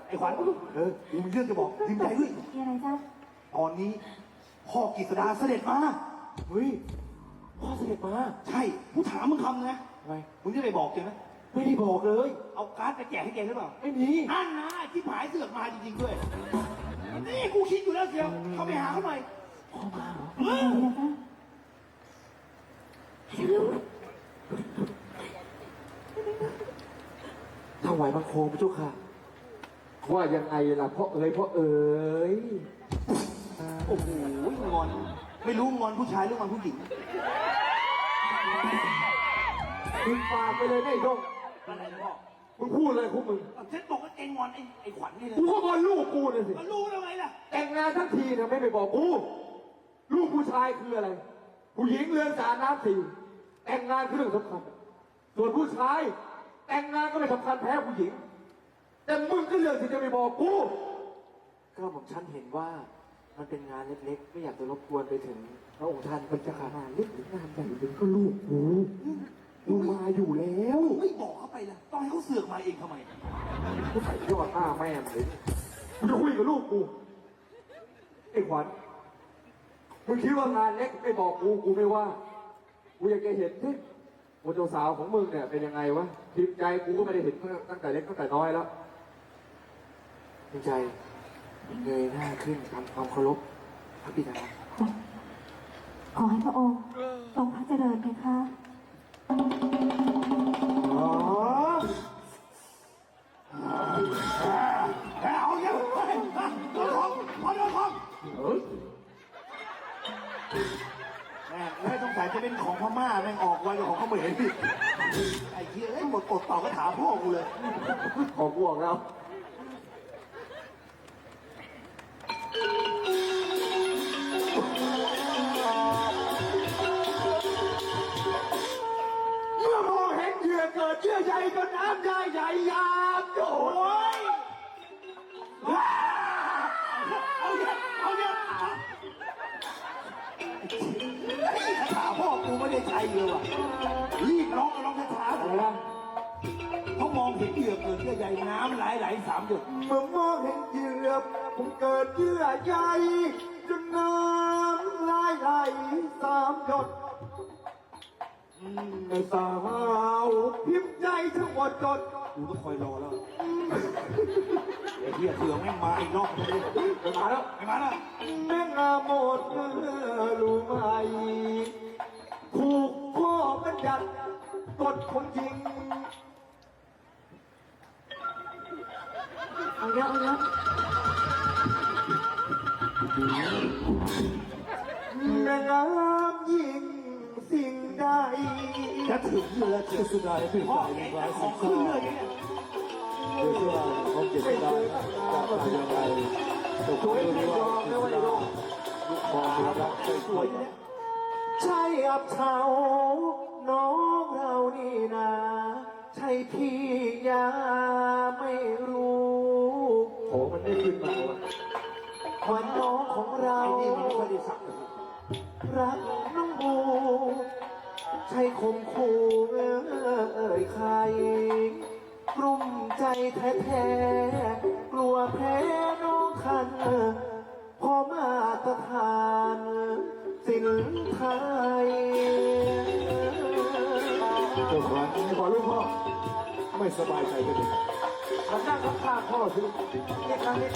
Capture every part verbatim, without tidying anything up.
ไอ้ขวัญเออกูมีเรื่องจะบอกพิมพ์ใจด้วยมีอะไรจ๊ะตอนนี้พ่อกฤษดาเสด็จมาเฮ้ยพ่อเสด็จมาใช่กูถามมึงคำนะทำไมมึงจะไปบอกจริงนะไม่ได้บอกเลยเอาการ์ดไปแจกให้แกหรือเปล่าไม่มีนั่นนะที่ผายเสือกมาจริงๆด้วยนี่กูคิดอยู่แล้วเชียวเขาไปหาเขาหน่อยพ่อมาเหรอเอมีออะไรจ๊ะถวายบังคมพระเจ้าค่ะว่ายังไงล่ะพ่อเอ๋ยพ่อเอ๋ยโอ้โหงอนไม่รู้งอนผู้ชายหรืองอนผู้หญิงมึงปากไปเลยนะไอ้ดงอะไรนะพ่อมึงพูดเลยคุณมึงฉันบอกว่าเองงอนไอ้ไอ้ขวัญนี่เลยกูก็บอลลูกกูน่ะสิก็รู้แล้วไงล่ะแต่งงานทั้งทีนะไม่ไปบอกกูลูกผู้ชายคืออะไร ผู้หญิงเรือนสาน้ำสี่แต่งงานคือเรื่องสำคัญ ส่วนผู้ชาย แต่งงานก็ไม่สำคัญแพ้ผู้หญิง แต่มึงก็เลือกที่จะไปบอกกูก็ผมฉันเห็นว่ามันเป็นงานเล็กๆ ไม่อยากจะรบกวนไปถึงพระองค์ท่านมันจะขนาดเล็กหรืองานใหญ่หรือก็ลูกกูกูมาอยู่แล้วไม่บอกเขาไปล่ะต้องให้เขาเสือกมาเองทำไมกูใส่ยอดหน้าแม่มันเลยกูจะคุยกับลูกกูไอ้ขวัญมึงคิดว่างานเล็กไม่บอกกูกูไม่ว่ากูอยากจะเห็นที่ว่าเจ้าสาวของมึงเนี่ยเป็นยังไงวะทิมใจกูก็ไม่ได้เห็นตั้งแต่เล็กตั้งแต่น้อยแล้วจริงใจเงยหน้าขึ้นทำความเคารพพระบิดาขอให้พระองค์ทรงพระเจริญเพคะอ๋อเอาเยอะไปโดนของพอโดนของเอ้ยแม่ไม่ต้องใส่จะเป็นของพม่าแม่งออกไวกว่าของเขมรพี่ไอ้เหี้ยไอ้หมดอดต่อก็ถามพ่อกูเลยขอกูออกแล้ว เมื่อมองเห็นเหยื่อเกิดเชื่อใจก็น้ำได้ใหญ่ยามโดโอ้ยยเอาเยอะเอาเยอะถามพ่อกูไม่ได้ใจเลยว่ะรีบร้องร้องช้าๆอะไรนะเขามองเห็นเหยื่อเกิดเยื่อใยน้ำไหลไหลสามหยดเมื่อมองเห็นเหยื่อผมเกิดเยื่อใยจนน้ำไหลไหลสามหยดในสาวพิมพ์ใจทั้งหมดจดกูต้องคอยรอแล้วไอ้เหี้ยเสือแม่งมาอีกรอบนึงไม่มาแล้วไม่มาแล้วแม่งาหมดเมื่อรู้ไหมถูกพ่อบัญญัติกฎคนจริงเอาเยอะเอาเยอะแม่งามยิ่งสิ่งใดจะถึงเรือเจอสุดาถึงพ่อแกจะของขึ้นเรือเนี่ยเชื่อเขาเก็บได้จะทำยังไงแต่คุณไม่ยอมนะว่าไอ้ลูกลูกคอรักใจสวยใช่อับเฉาน้องเรานี่นะใช่พี่ยาไม่รู้โอ้มันไม่ขึ้นมาวะวันน้องของเราไอ้นี่มันไม่ค่อยได้สักเลยรักน้องบูใช่คมคู่เอ่ยใครกลุ้มใจแท้ๆกลัวแพ้น้องคันพอมาตรฐานสินไทยเจ้าขวัญขอลูกพ่อไม่สบายใจกันเลยมานั่งข้างๆพ่อสินี่ครั้งนี้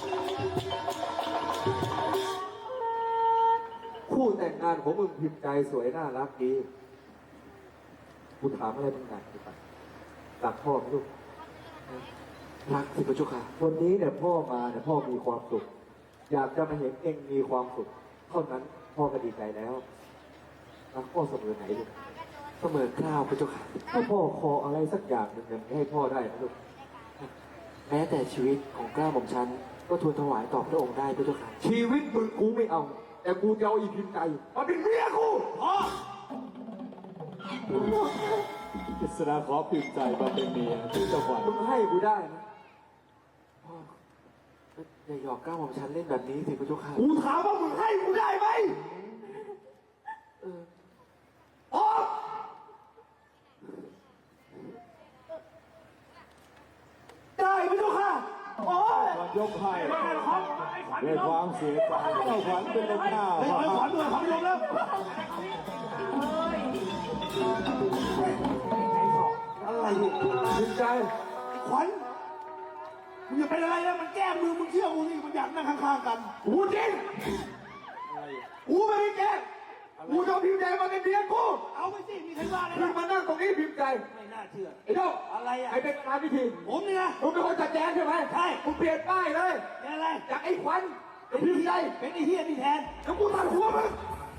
คู่แต่งงานของมึงพิมพ์ใจสวยน่ารักดีกูถามอะไรมึงหน่อยดีกว่ารักพ่อไหมลูกรักสิพระเจ้าค่ะวันนี้เนี่ยพ่อมาเนี่ยพ่อมีความสุข อยากจะมาเห็นเองมีความสุขเท่านั้นพ่อก็ดีใจแล้วรักพ่อเสมอไหนลูกเสมอเกล้าวพระเจ้าค่ะถ้าพ่อขออะไรสักอย่างหนึ่งเนี่ยให้พ่อได้นะลูกแม้แต่ชีวิตของเกล้าของฉันก็ทูลถวายต่อพระองค์ได้พระเจ้าค่ะชีวิตมึงกูไม่เอา แต่กูจะเอาอีพิมพ์ใจมาเป็นเมียกูพ่อกฤษณาขอพิมพ์ใจมาเป็นเมียที่จังหวัดมึงให้กูได้นะพ่ออย่าหยอกเกล้าของฉันเล่นแบบนี้สิพระเจ้าค่ะกูถามว่ามึงให้กูได้ไหมเอออ๋อได้พระเจ้าค่ะโอ้ยยกให้ด้วยความเสียใจเจ้าขวัญเป็นลมหน้าเฮ้ยพเฮ้ยขวัญด้วยขวัญลงแล้วอะไรเนี่ยพิมใจขวัญมึงอย่าเป็นอะไรนะมันแก้มือมึงเชื่อกูนี่มันอยากนั่งข้างๆกันกูจริงกูไม่ได้แกล้งกูจะเอาพิมพ์ใจมาเป็นเมียกูเอาไปสิมีใครว่าเลยมึงนะมานั่งตรงนี้พิมพ์ใจไม่น่าเชื่อไอ้เจ้าอะไรอ่ะไอ้เป็นประธานพิธีผมเนี่ยนะมึงเป็นคนจัดแจงใช่ไหมใช่มึงเปลี่ยนป้ายเลยเป็นอะไรจากไอ้ขวัญเป็นพิมพ์ใจเป็นไอ้เฮียนี่แทนแล้วกูตัดหัวมึง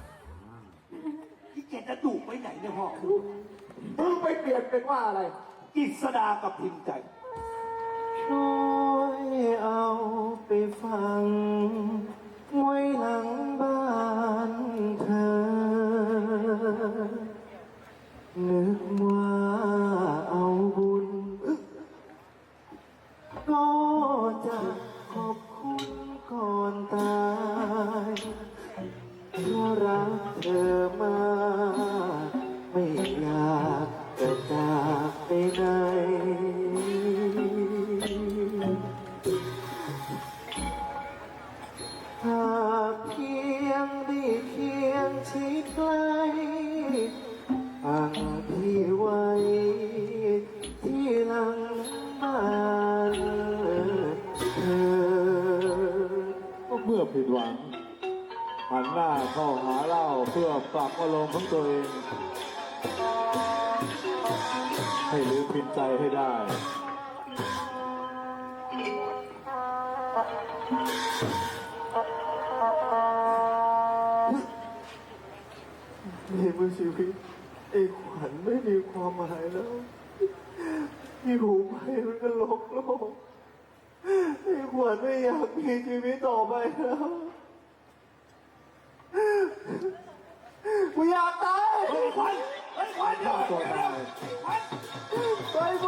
ที่แกจะดุไปไหนเนี่ยพ่อมึงไปเปลี่ยนเป็นว่าอะไรกิษดากับพิมพ์ใจช่วยเอาไปฟังไว้หลังบ้านเธอ นึกว่าเอาบุญ ก็จะขอบคุณก่อนตายเพราะรักเธอมากไม่อยากจะจากไปไหน หากเพียงได้เคียงชิดใกล้ฟังพี่ไว้ที่หลังบ้านเธอเมื่อผิดหวังหันหน้าเข้าหาเราเพื่อปรับอารมณ์ของตัวเอง ให้ลืมพิมพ์ใจให้ได้ในเมื่อชีวิตไอ้ขวัญไม่มีความหมายแล้วอยู่ไปมันก็ลกโลกไอ้ขวัญไม่อยากมีชีวิตต่อไปแล้วกูอยากตายเฮ้ยขวัญเฮ้ยขวัญเดี๋ยวตัวตายขวัญไปโบ้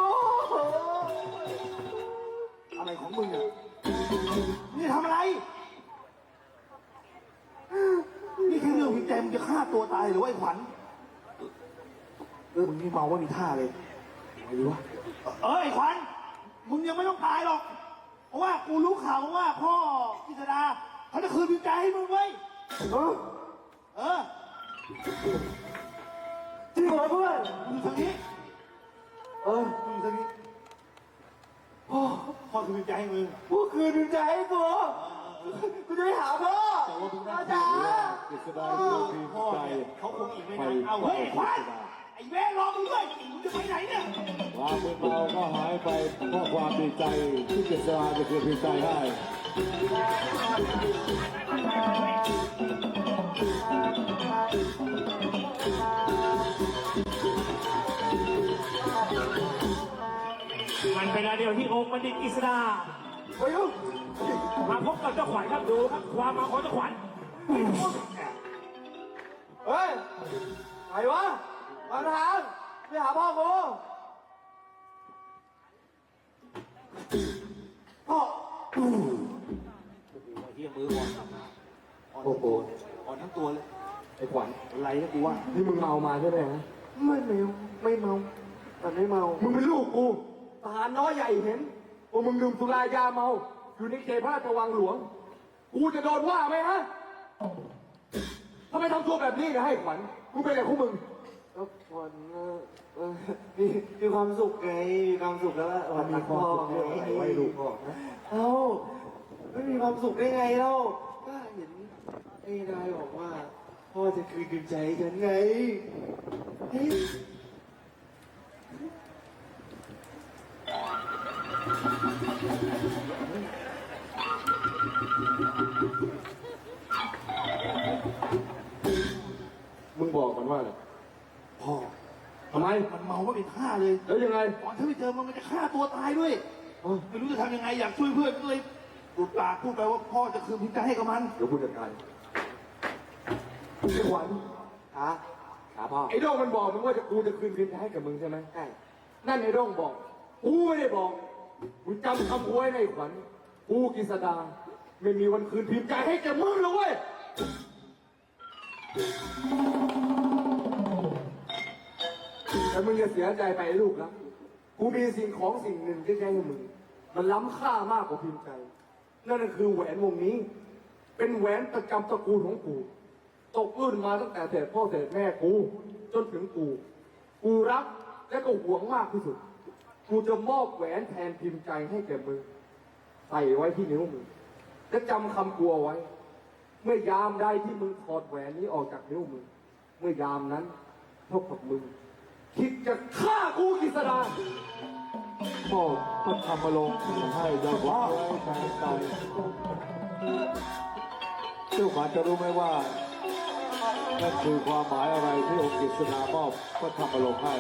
อะไรของมึงอ่ะนี่ทำอะไร นี่แค่เรื่องพิมพ์ใจมึงจะฆ่าตัวตายหรือว่าไอ้ขวัญเออมึงนี่เมาว่ามีท่าเลยอะไรวะเออไอ้ขวัญมึงยังไม่ต้องตายหรอก เพราะว่ากูรู้ข่าวมาว่าพ่อกิษดาเขาจะคืนพิมพ์ใจให้มึงเว้ยเออเออจริงเหรอเพื่อนมึงทางนี้เออมึงทางนี้พ่อพ่อคืนพิมพ์ใจให้มึงกูคืนใจให้กูกูจะไปหาพ่อแต่ว่ามึงพ่อน่าจ๋ากฤษดาคือพิมพ่อพ์ใจเนี่ยเขาคงอีกไม่ไปนานเอาเฮ้ยขวัญไอ้แม่รอมึงด้วยมึงจะไปไหนเนี่ยความมึนเมาก็หายไปเพราะความดีใจที่กฤษดาจะคืนพิมพ์ใจให้มันเป็นอะไรเดียวที่องค์บัณฑิตกฤษดาไปยุ่งมาพบกับเจ้าขวัญครับดูครับความมาของเจ้าขวัญเฮ้ยไหนวะมาทางไปหาพ่อกูพ่อโอ้โหเฮียมืออ่อนอ่อนโอ้โหอ่อนทั้งตัวเลยไอ้ขวัญอะไรนะกูว่านี่มึงเมามาใช่ไหมฮะไม่เมาไม่เมาแต่ไม่เมามึงเป็นลูกกูทหารน้อยใหญ่เห็นว่ามึงดื่มสุรายาเมา อยู่ในเขตพระราชวังหลวง กูจะโดนว่าไหมฮะทำไมทำตัวแบบนี้นะให้ขวัญกูเป็นอะไรของมึงก็วันเออเออมีมีความสุขไงมีความสุขแล้วล่ะวันมีพ่อไงไว้ลูกพ่อนะเอ้าไม่มีความสุขได้ไงเล่าก็เห็นไอ้นายบอกว่าพ่อจะคืนกำลังใจให้ฉันไงเฮ้ยมึงบอกมันว่าอะไรพ่อทำไมมันเมาว่าเป็นท่าเลยแล้วยังไงก่อนที่ไปเจอมันมันจะฆ่าตัวตายด้วยเอ้าไม่รู้จะทำยังไงอยากช่วยเพื่อนก็เลยหลุดปากพูดไปว่าพ่อจะคืนพิมพ์ใจให้กับมันเดี๋ยวกูจัดการไอ้ขวัญขาขาพ่อไอ้โด้งมันบอกมึงว่าจะกูจะคืนคืนให้กับมึงใช่ไหมใช่นั่นไอ้โด้งบอก กูไม่ได้บอกมึงจำคำกูไว้ในขวัญกูกิษดาไม่มีวันคืนพิมพ์ใจให้แกมึงหรอกเว้ยแต่มึงจะเสียใจไปไอ้ลูกนะกูมีสิ่งของสิ่งหนึ่งที่จะให้มึง มันล้ำค่ามากกว่าพิมพ์ใจนั่นก็คือแหวนวงนี้ เป็นแหวนประจำตระกูลของกูตกรุ่นมาตั้งแต่เศษพ่อเศษแม่กูจนถึงกูกูรักและก็หวงมากที่สุดกูจะมอบแหวนแทนพิมพ์ใจให้แก่มึงใส่ไว้ที่นิ้วมึงและจำคำกูเอาไว้ เมื่อยามใดที่มึงถอดแหวนนี้ออกจากนิ้วมึงเมื่อยามนั้นเท่ากับมึงคิดจะฆ่ากูกิษดาพ่อพระธรรมลงค์ให้ดาวไว้แทนใจเจ้าขวัญจะรู้ไหมว่านั่นคือความหมายอะไรที่องค์กฤษณามอบพระธรรมลงค์ให้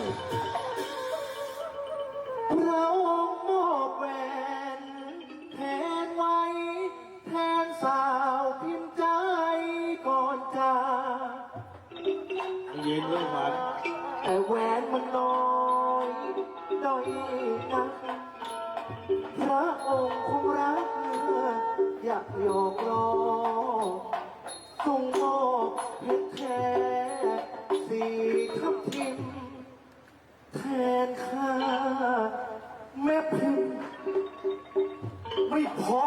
เรามอบแหวนแทนไว้แทนสาวพิมพ์ใจก่อนจากเย็นเรื่องมันแต่แหวนมันน้อยด้อยนักพระองค์คงรักอยากหยอกล้อทรงมอบเพชรแท้สีทับทิมแทนข้าแม่พิมพ์ไม่พอ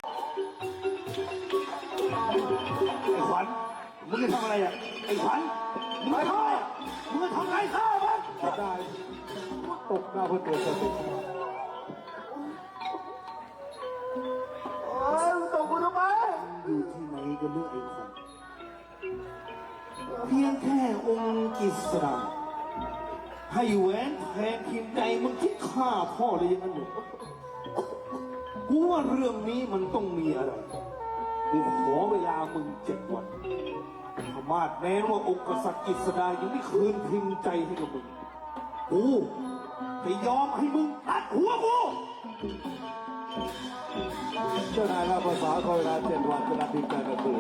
ไอ้ขวัญมึงจะทำอะไรอ่ะไอ้ขวัญมึงจะทำอะไรอ่ะมึงจะทำอะไรข้ามันจะได้ตกหน้าเพื่อตัวสติโอ้ยมึงตกกูทำไมอยู่ที่ไหนกันเรื่องไอ้ขวัญเพียงแค่องค์กิษดาให้แหวนแทนพิมพ์ใจมึงคิดฆ่าพ่อเลยอยังนั้นเหรอกูว่าเรื่องนี้มันต้องมีอะไรกูขอเวลามึงเจ็ดวันถ้ามาดแม้ว่าองค์กษัตริย์กิษดายังไม่คืนพิมพ์ใจให้กับมึงกูจะยอมให้มึงตัดหัวกูเจ้านายรับภาษาขอเวลาเจ็ดวันจะรับพิมพ์ใจมาคืน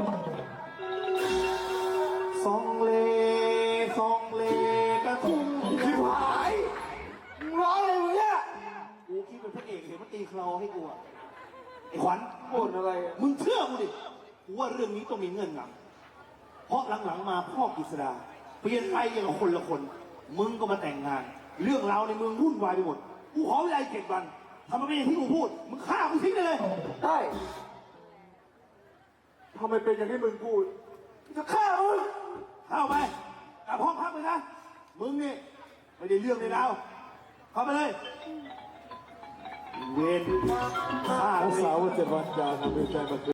ซองเลซองเลกระทุ่งคือหายมึงร้องอะไรมึงเนี่ยกูคิดเป็นพระเอกเห็นมันตีคลอให้กูอะไอ้ขวัญบ่นอะไรอะมึงเชื่อกูดิกูว่าเรื่องนี้ต้องมีเงื่อนงำเพราะหลังๆมาพ่อกฤษดาเปลี่ยนไปอย่างกับคนละคน มึงก็มาแต่งงาน เรื่องราวในเมืองวุ่นวายไปหมดกูขอเวลาเจ็ดวันทำไมเป็นอย่างที่กูพูดมึงฆ่ากูทิ้งไปเลยได้ทำไมเป็นอย่างที่มึงพูดจะฆ่ามึงเข้าไปกลับห้องพักเลยนะ มึงนี่ไม่ได้เรื่องเลยแล้วเข้าไปเลย เวรฆ่ารักเลยษาว่าเจ็ดวันจะนำพิมพ์ใจมาคืน